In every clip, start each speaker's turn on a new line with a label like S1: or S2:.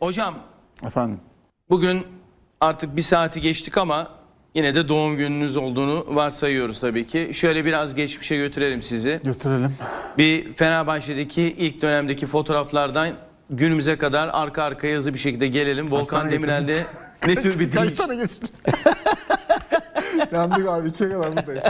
S1: Hocam
S2: Efendim.
S1: bugün artık bir saati geçtik ama yine de doğum gününüz olduğunu varsayıyoruz tabii ki. Şöyle biraz geçmişe götürelim sizi.
S2: Götürelim.
S1: Bir Fenerbahçe'deki ilk dönemdeki fotoğraflardan günümüze kadar arka arkaya hızlı bir şekilde gelelim. Volkan
S2: tane
S1: Demirel'de ne tür bir
S2: Kaç
S1: değiş...
S2: tane getirdin? Yandık abi, 2'ye kadar buradayız.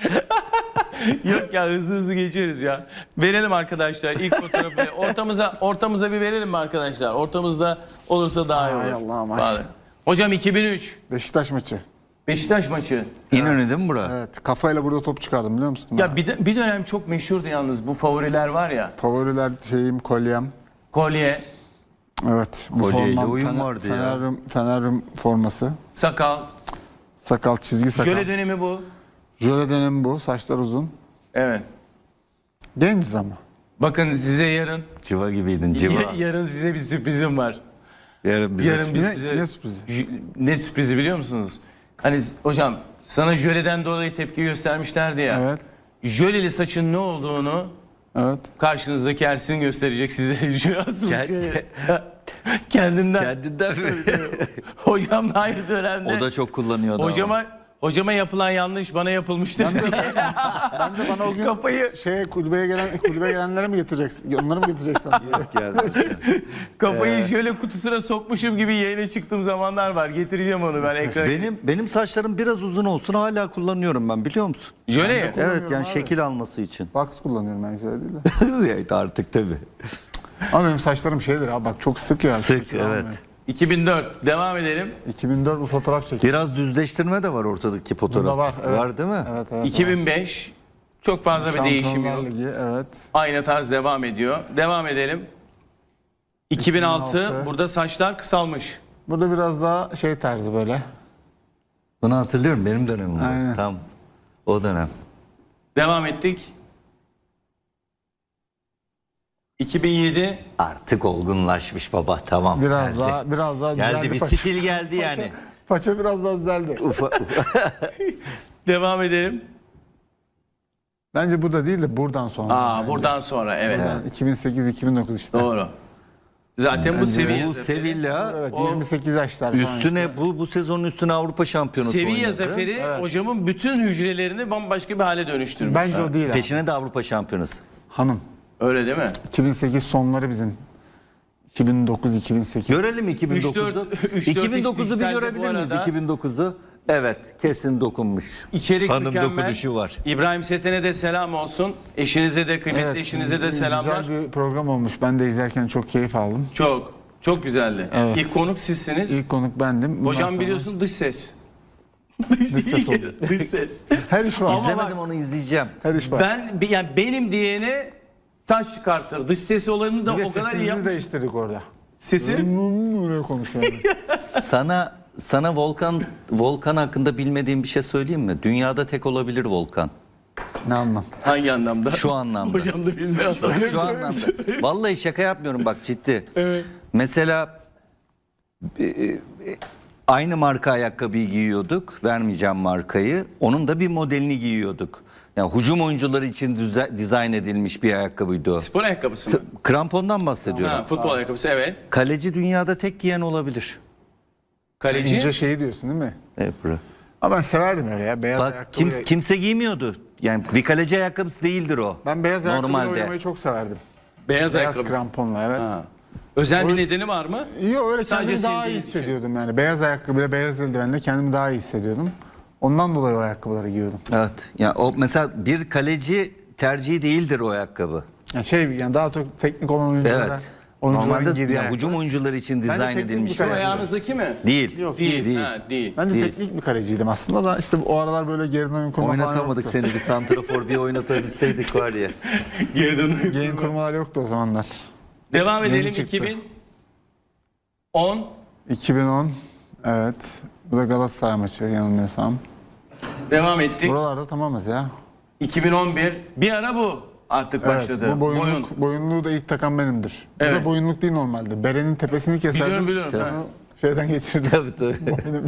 S1: Yok ya, hızlı hızlı geçeriz ya. Verelim arkadaşlar ilk fotoğrafı. Ortamıza bir verelim mi arkadaşlar? Ortamızda olursa daha iyi olur.
S2: Ay Allah'ım, ay.
S1: Vallahi. Hocam 2003
S2: Beşiktaş maçı.
S1: Beşiktaş maçı.
S3: İnönü değil mi bura?
S2: Evet, kafayla burada top çıkardım, biliyor musun?
S1: Ya bir dönem çok meşhurdu yalnız bu favoriler var ya.
S2: Favoriler şeyim, kolyem.
S1: Kolye,
S2: Evet. Bu
S3: Kolyeyle
S2: formam,
S3: oyun vardı ya.
S2: Fenerim forması.
S1: sakal.
S2: Sakal, çizgi sakal.
S1: Jöle dönemi bu.
S2: Jöle dönemi bu. Saçlar uzun.
S1: Evet.
S2: Genciz ama.
S1: Bakın size yarın
S3: Civa gibiydin civa.
S1: yarın size bir sürprizim var.
S3: Yarın bize
S1: Yarın biz
S2: Ne,
S1: size
S2: ne sürprizi?
S1: Ne sürprizi biliyor musunuz? Hani hocam sana jöleden dolayı tepki göstermişlerdi ya.
S2: Evet.
S1: Jöleli saçın ne olduğunu
S2: Evet.
S1: karşınızdaki Ersin gösterecek size. Asıl
S3: Kend-
S1: Kendimden.
S3: Kendinden mi?
S1: Hocam da aynı dönemde.
S3: O da çok kullanıyordu ama.
S1: Hocama yapılan yanlış bana yapılmıştır.
S2: Ben de bana o gün
S1: Kafayı-
S2: kulübe gelenlere mi getireceksin? Onları mı getireceksin?
S3: Yok yani.
S1: Kafayı şöyle kutusuna sokmuşum gibi yayına çıktığım zamanlar var. Getireceğim onu ben ekrana.
S3: Benim saçlarım biraz uzun olsun hala kullanıyorum ben, biliyor musun?
S1: Jöle ya.
S3: Evet yani
S2: abi.
S3: şekil alması için.
S2: Box kullanıyorum ben, şöyle değil de.
S3: Evet, artık tabii.
S2: Ama benim saçlarım şeydir abi, bak çok sık ya.
S3: Sık,
S2: Çok
S3: evet.
S1: 2004 devam edelim.
S2: 2004 bu fotoğraf çekildi.
S3: Biraz düzleştirme de var ortadaki fotoğrafta.
S2: Bunda var, evet.
S3: Var değil mi?
S2: Evet, evet.
S1: 2005 çok fazla bir değişim yok.
S2: Şampiyonlar Ligi, evet.
S1: Aynı tarz devam ediyor. Devam edelim. 2006
S2: 2006.
S1: burada saçlar kısalmış.
S2: Burada biraz daha şey tarzı böyle.
S3: Bunu hatırlıyorum, benim dönemim.
S2: Aynen.
S3: Tam o dönem.
S1: Devam ettik. 2007
S3: Artık olgunlaşmış baba, tamam.
S2: Biraz
S3: geldi.
S2: daha
S3: Geldi,
S2: düzeldi
S3: bir
S2: paça.
S3: stil geldi yani.
S2: Paça biraz daha düzeldi.
S1: devam edelim.
S2: Bence bu da değil de buradan sonra. bence.
S1: Buradan sonra evet.
S2: 2008-2009 işte.
S1: Doğru. Zaten bu seviye
S3: Bu
S1: zaferi.
S3: Sevilla
S2: Evet,
S1: O
S2: 28 yaşlar falan
S3: üstüne
S2: işte.
S3: bu sezonun üstüne Avrupa Şampiyonası
S1: Seviye
S3: oynadı.
S1: zaferi hocamın bütün hücrelerini bambaşka bir hale dönüştürmüş.
S2: Bence o değil abi.
S3: Peşine de Avrupa Şampiyonası.
S2: Hanım.
S1: Öyle değil mi?
S2: 2008 sonları bizim. 2009-2008.
S3: Görelim 2009'u.
S1: 3-4
S3: 2009'u bir
S1: dijitalde
S3: görebilir
S1: bu
S3: miyiz?
S1: arada.
S3: 2009'u. Evet, kesin dokunmuş.
S1: İçerik
S3: Hanım
S1: mükemmel.
S3: dokunuşu var.
S1: İbrahim Seten'e de selam olsun. Eşinize de, kıymetli eşinize de selamlar.
S2: Güzel bir program olmuş. Ben de izlerken çok keyif aldım.
S1: Çok güzeldi.
S2: Evet.
S1: İlk konuk sizsiniz.
S2: İlk konuk bendim. Bundan
S1: Hocam
S2: sonra
S1: biliyorsun dış ses.
S2: dış ses oldu.
S1: Dış ses.
S2: Her iş var.
S1: Ama
S3: İzlemedim, onu izleyeceğim.
S2: Her iş var.
S1: Yani benim diyene taş çıkartır. Dış ses olanı da
S2: Bir de
S1: o kadar iyi
S2: sesimizi
S1: yapmış.
S2: değiştirdik orada.
S1: Sesi?
S2: Öyle konuşuyorum.
S3: Sana Volkan hakkında bilmediğim bir şey söyleyeyim mi? Dünyada tek olabilir Volkan.
S2: Ne anlam?
S1: Hangi anlamda?
S3: Şu anlamda.
S1: Hocam da bilmiyor.
S3: Şu anlamda. Vallahi şaka yapmıyorum, bak ciddi.
S1: Evet.
S3: Mesela aynı marka ayakkabıyı giyiyorduk. Vermeyeceğim markayı. Onun da bir modelini giyiyorduk. Yani hücum oyuncuları için dizayn edilmiş bir ayakkabıydı o.
S1: Spor ayakkabısı mı?
S3: Krampondan bahsediyorum.
S1: Ha, futbol ayakkabısı evet.
S3: Kaleci dünyada tek giyen olabilir.
S1: Kaleci.
S2: İnce şeyi diyorsun değil mi?
S3: Evet, bro.
S2: Ama ben severdim öyle ya. Beyaz
S3: Bak
S2: ayakkabı.
S3: kimse giymiyordu. Yani bir kaleci ayakkabısı değildir o.
S2: Ben beyaz ayakkabıyla
S3: Normalde.
S2: oynamayı çok severdim.
S1: Beyaz
S2: Beyaz
S1: ayakkabı.
S2: kramponla, evet.
S1: Ha. Özel bir nedeni var mı?
S2: Yok, öyle
S1: Sadece
S2: kendimi daha iyi
S1: sevdiğin bir şey.
S2: hissediyordum yani. Beyaz ayakkabıyla beyaz eldivenle kendimi daha iyi hissediyordum. Ondan dolayı o ayakkabıları giyiyordum.
S3: Evet. Yani o mesela bir kaleci tercihi değildir o ayakkabı.
S2: Yani daha çok teknik olan oyunculara,
S3: Evet.
S2: oyuncuların
S3: Normalde
S2: giydiği
S3: yani
S2: ayakkabı.
S3: hücum oyuncuları için dizayn
S2: teknik
S3: edilmiş.
S2: bir
S1: Şu
S2: kaleci.
S1: ayağınızdaki mi?
S3: Değil.
S2: Yok,
S1: Değil.
S3: Değil.
S1: Değil.
S2: Ben de
S3: Değil.
S2: teknik bir kaleciydim aslında da işte o aralar böyle geriden oyun kurma falan
S3: Oynatamadık
S2: yoktu.
S3: seni, bir santrafor bir oynatabilseydik var ya.
S1: Geriden
S2: Yayın kurmalar yoktu o zamanlar.
S1: Devam
S2: Yeni
S1: edelim.
S2: çıktı.
S1: 2010.
S2: 2010, evet. Bu da Galatasaray maçı yanılmıyorsam.
S1: Devam ettik.
S2: Buralarda tamamız ya.
S1: 2011. Bir ara bu artık
S2: Evet,
S1: başladı.
S2: bu boyunluğu da ilk takan benimdir. Bu
S1: Evet.
S2: da boyunluk değil normalde. Berenin tepesini keserdim.
S1: Biliyorum.
S2: Onu
S1: Ha.
S2: şeyden geçirdim.
S3: Tabii tabii.
S2: Boynum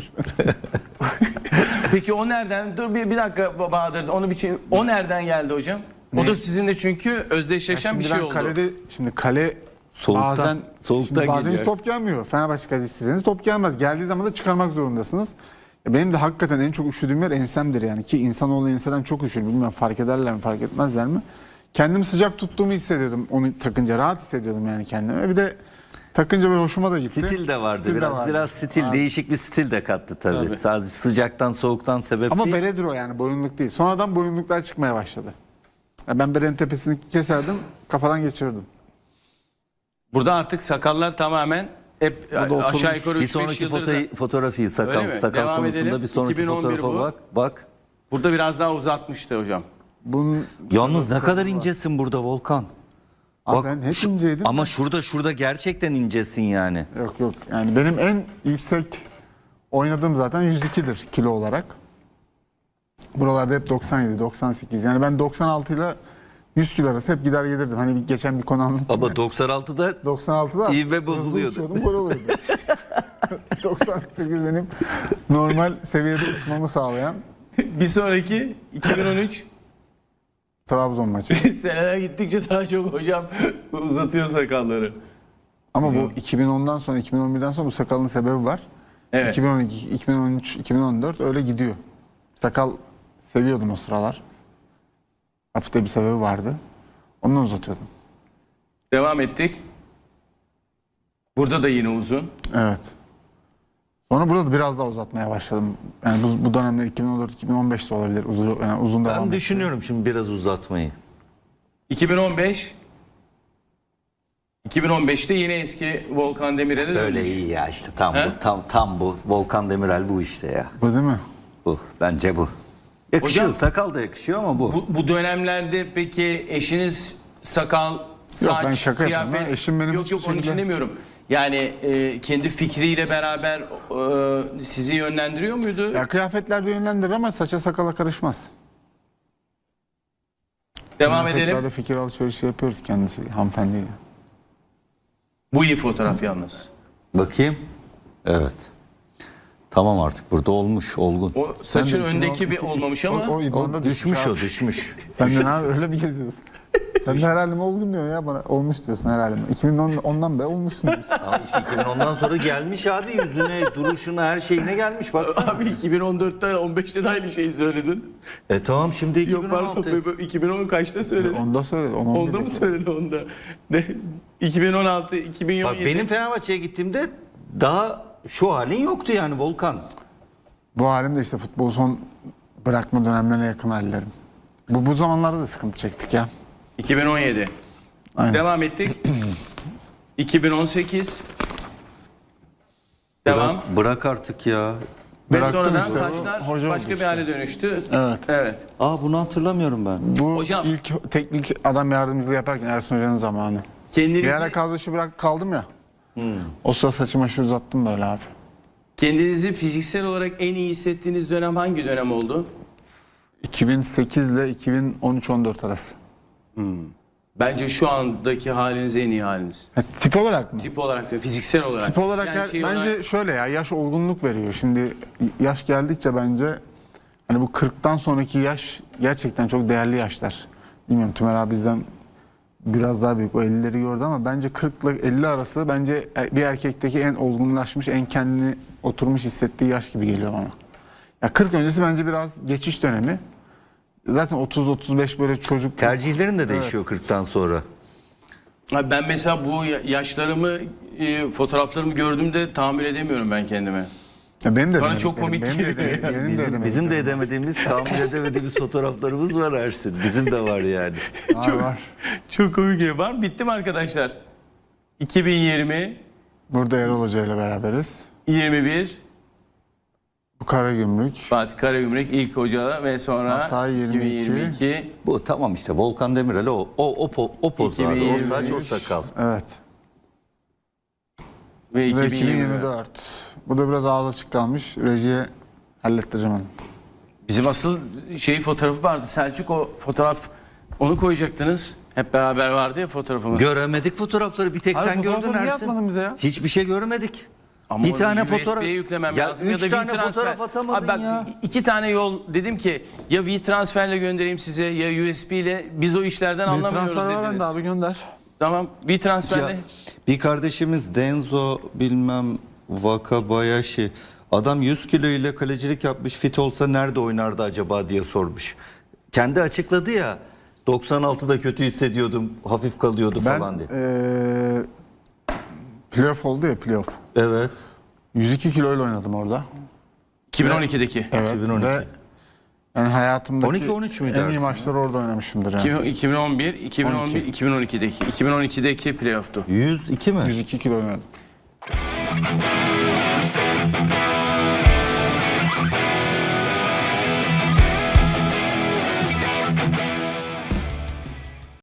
S1: Peki o nereden? Dur bir dakika Bahadır. Onu bir şey. O nereden geldi hocam? O da sizinle çünkü özdeşleşen bir
S2: Şimdi
S1: şey
S2: ben
S1: oldu.
S2: kalede, şimdi kale
S3: Soğuktan, soğuktan
S2: bazen
S3: geliyor.
S2: hiç top gelmiyor. Fenerbahçe kalecisiyseniz top gelmez. Geldiği zaman da çıkarmak zorundasınız. Benim de hakikaten en çok üşüdüğüm yer ensemdir yani. Ki insanoğlu enseden çok üşür. Bilmiyorum fark ederler mi fark etmezler mi? Kendimi sıcak tuttuğumu hissediyordum. Onu takınca rahat hissediyordum yani kendime. Bir de takınca böyle hoşuma da gitti.
S3: Stil de vardı.
S2: Stil de
S3: biraz
S2: vardı.
S3: biraz stil,
S2: Abi.
S3: değişik bir stil de kattı tabii.
S1: Tabii.
S3: Sadece sıcaktan, soğuktan sebep
S2: Ama
S3: değil.
S2: beredir o yani boyunluk değil. Sonradan boyunluklar çıkmaya başladı. Ya ben berenin tepesini keserdim, kafadan geçirirdim.
S1: Burada artık sakallar tamamen hep
S2: oturmuş.
S1: aşağı yukarı
S3: Bir
S1: 3-5
S3: sonraki
S1: yıldır.
S3: fotoğrafı
S1: Öyle
S3: sakal
S1: mi?
S3: sakal
S1: Devam
S3: konusunda
S1: edelim.
S3: bir sonraki
S1: 2011
S3: fotoğrafa
S1: bu.
S3: bak.
S1: Burada biraz daha uzatmıştı hocam.
S2: Bunun
S3: Yalnız ne kadar incesin burada Volkan.
S2: Abi
S3: Bak,
S2: ben hep inceydim.
S3: Ama şurada gerçekten incesin yani.
S2: Yok yani benim en yüksek oynadığım zaten 102'dir kilo olarak. Buralarda hep 97, 98. Yani ben 96 ile 100 kilo arası hep gider gelirdim. Hani geçen bir konu anlattım.
S3: Ama
S2: ya.
S3: 96'da
S2: 96'da
S3: İvme
S2: hızlı
S3: bozuluyordu.
S2: uçuyordum, gol oluyordu. 98 benim normal seviyede uçmamı sağlayan
S1: Bir sonraki 2013
S2: Trabzon maçı.
S1: seneler gittikçe daha çok hocam uzatıyor sakalları.
S2: Ama bu 2010'dan sonra 2011'den sonra bu sakalın sebebi var.
S1: Evet.
S2: 2012, 2013, 2014 öyle gidiyor. Sakal seviyordum o sıralar. Hafif de bir sebebi vardı. Ondan uzatıyordum.
S1: Devam ettik. Burada da yine uzun.
S2: Evet. Sonra burada da biraz daha uzatmaya başladım. Yani bu dönemler 2014-2015'te olabilir. Uzun devam
S3: ben
S2: etti.
S3: düşünüyorum şimdi biraz uzatmayı.
S1: 2015 2015'te yine eski Volkan Demirel'e dönmüş.
S3: Böyle iyi ya işte tam
S1: He?
S3: bu tam bu Volkan Demirel bu işte ya.
S2: Bu değil mi?
S3: Bu bence bu. Yakışıyor
S1: Hocam-
S3: sakal da yakışıyor ama bu.
S1: Bu dönemlerde peki eşiniz sakal, saç,
S2: ben şaka yapıyorum
S1: kıyafet...
S2: ha. Eşim benim
S1: Yok
S2: hiçbir
S1: onun için
S2: şekilde-
S1: demiyorum. Yani kendi fikriyle beraber sizi yönlendiriyor muydu?
S2: Ya kıyafetler de yönlendirir ama saça sakala karışmaz.
S1: Devam
S2: Kıyafetlerde
S1: edelim.
S2: fikir alışverişi yapıyoruz kendisi hanımefendiyle.
S1: Bu iyi fotoğraf yalnız.
S3: Bakayım. Evet. Tamam artık burada olmuş olgun.
S1: O saçın
S2: de
S1: öndeki bir olmamış ama...
S2: O idmanda
S3: O düşmüş
S2: abi.
S3: o düşmüş.
S2: Sen de ne abi öyle mi geziyorsun? Sen de her halime olgun diyorsun ya bana. Olmuş diyorsun her halime. 2010'dan beri olmuşsun diyorsun.
S3: Ama işte 2010'dan sonra gelmiş abi yüzüne, duruşuna, her şeyine gelmiş baksana.
S1: Abi 2014'te 15'te de aynı şeyi söyledin.
S3: Tamam şimdi
S1: Yok
S3: 2016.
S1: pardon 2010 kaçta söyledin?
S2: Onda söyledi.
S1: Onda mı söyledi onda? Ne? 2016, 2017.
S3: Bak benim Fenerbahçe'ye gittiğimde daha şu halin yoktu yani Volkan.
S2: Bu halim de işte futbolu son bırakma dönemlerine yakın hallerim. Bu zamanlarda da sıkıntı çektik ya.
S1: 2017.
S2: Aynen.
S1: Devam ettik. 2018. Devam.
S3: Bırak artık ya.
S1: Ve
S2: Bıraktım
S1: sonradan
S2: işte,
S1: saçlar
S2: hoca
S1: başka
S2: oldu
S1: bir
S2: işte.
S1: hale dönüştü.
S2: Evet.
S1: Evet.
S3: Bunu hatırlamıyorum ben.
S2: Bu
S1: Hocam-
S2: ilk teknik adam yardımcılığı yaparken Ersun Hoca'nın zamanı.
S1: Kendinizi,
S2: Bir ara kadro dışı kaldım ya. O sıra saçımı aşırı uzattım böyle abi.
S1: kendinizi fiziksel olarak en iyi hissettiğiniz dönem hangi dönem oldu?
S2: 2008 ile 2013-14 arası.
S1: Bence şu andaki haliniz en iyi haliniz.
S2: Tip olarak mı?
S1: Tip olarak ve fiziksel olarak.
S2: Tip olarak
S1: Yani şey
S2: bence
S1: olarak-
S2: şöyle ya yaş olgunluk veriyor. Şimdi yaş geldikçe bence hani bu 40'tan sonraki yaş gerçekten çok değerli yaşlar. Bilmiyorum Tümer abi bizden biraz daha büyük o 50'leri gördü ama bence 40 ile 50 arası bence bir erkekteki en olgunlaşmış, en kendini oturmuş hissettiği yaş gibi geliyor bana. Ya 40 öncesi bence biraz geçiş dönemi. Zaten 30-35 böyle çocuk
S3: Tercihlerin de değişiyor 40'tan sonra.
S1: Abi ben mesela bu yaşlarımı, fotoğraflarımı gördüğümde tahammül edemiyorum ben kendime.
S2: Ya benim de
S1: Bana çok komik
S2: benim de
S1: geliyor
S2: edemediklerim, benim de edemediklerim.
S3: Bizim de edemediğimiz, tahmin edemediğimiz fotoğraflarımız var Ersin. Bizim de var yani.
S2: Var.
S1: Çok komik var mı? Bitti mi arkadaşlar? 2020,
S2: Burada Erol Hoca ile beraberiz.
S1: 21,
S2: Bu Karagümrük.
S1: Fatih Karagümrük ilk hoca ve sonra
S2: Hatay 22.
S1: 2022.
S3: Bu tamam işte Volkan Demirel o poz abi. O
S1: 2023.
S3: saç o sakal.
S2: Evet.
S1: Ve
S2: Ve
S1: 2024.
S2: 2024. Burada biraz ağız açık kalmış. Rejiye hallettireceğim onu.
S1: Bizim asıl fotoğrafı vardı. Selçuk o fotoğraf onu koyacaktınız. Hep beraber vardı ya fotoğrafımız.
S3: Göremedik fotoğrafları bir tek
S2: Abi
S3: sen gördün
S2: fotoğrafları niye
S3: Ersin.
S2: atmadın bize ya?
S3: Hiçbir şey görmedik.
S1: Ama
S3: bir
S1: onu
S3: tane
S1: USB'ye
S3: fotoğraf
S1: yüklemem
S3: ya
S1: lazım
S3: 3
S1: ya da
S3: tane
S1: WeTransfer.
S3: fotoğraf atamadın
S1: Abi bak,
S3: ya.
S1: 2 tane yol dedim ki ya WeTransfer'le göndereyim size ya USB ile biz o işlerden
S2: Bir
S1: anlamıyoruz
S2: transfer var
S1: dediniz.
S2: bende abi gönder.
S1: Tamam. Bir transferle.
S3: Ya, bir kardeşimiz Denzo bilmem Wakabayashi. Adam 100 kilo ile kalecilik yapmış, fit olsa nerede oynardı acaba diye sormuş. Kendi açıkladı ya, 96'da kötü hissediyordum, hafif kalıyordu falan diye.
S2: Playoff oldu ya, playoff.
S3: Evet.
S2: 102 kiloyla oynadım orada.
S1: 2012'deki.
S2: Evet.
S3: 2012.
S2: Ve yani hayatımdaki
S3: 12-13 müydü
S2: en iyi
S3: Ersin
S2: maçları orada oynamışımdır yani.
S1: 2011, 2012'deki. 2012'deki playoff'tu.
S3: 102 mi?
S2: 102 kilo oynadım.